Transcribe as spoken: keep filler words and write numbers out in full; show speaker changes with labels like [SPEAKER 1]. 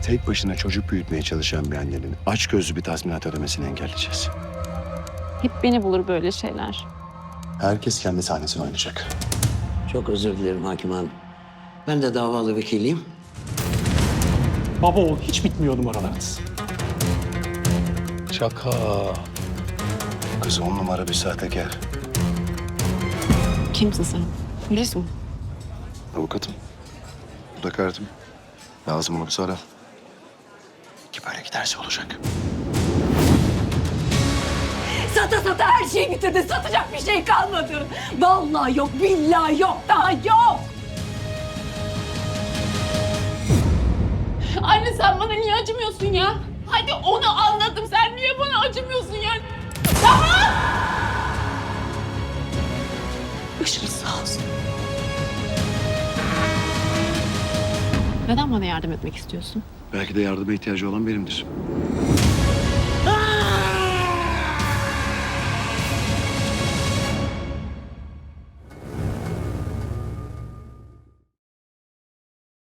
[SPEAKER 1] tek başına çocuk büyütmeye çalışan bir annenin açgözlü bir tazminat ödemesini engelleyeceğiz.
[SPEAKER 2] Hep beni bulur böyle şeyler.
[SPEAKER 1] Herkes kendi sahnesini oynayacak.
[SPEAKER 3] Çok özür dilerim hakim hanım. Ben de davalı vekiliyim.
[SPEAKER 4] Baba oğul hiç bitmiyor numaralarınız.
[SPEAKER 1] Şaka. Kız on numara bir sahtekar.
[SPEAKER 2] Kimsin sen? Polis mi?
[SPEAKER 1] Avukatım. Bu da kartım. Lazım olursa ara. Ki böyle giderse olacak.
[SPEAKER 5] Sata sata her şeyi bitirdi. Satacak bir şey kalmadı. Vallahi yok, billahi yok, daha yok.
[SPEAKER 6] Anne sen bana niye acımıyorsun ya? Hadi onu anladım. Sen niye bana acımıyorsun ya? Daha!
[SPEAKER 5] Başınız sağ olsun.
[SPEAKER 2] Neden bana yardım etmek istiyorsun?
[SPEAKER 1] Belki de yardıma ihtiyacı olan benimdir.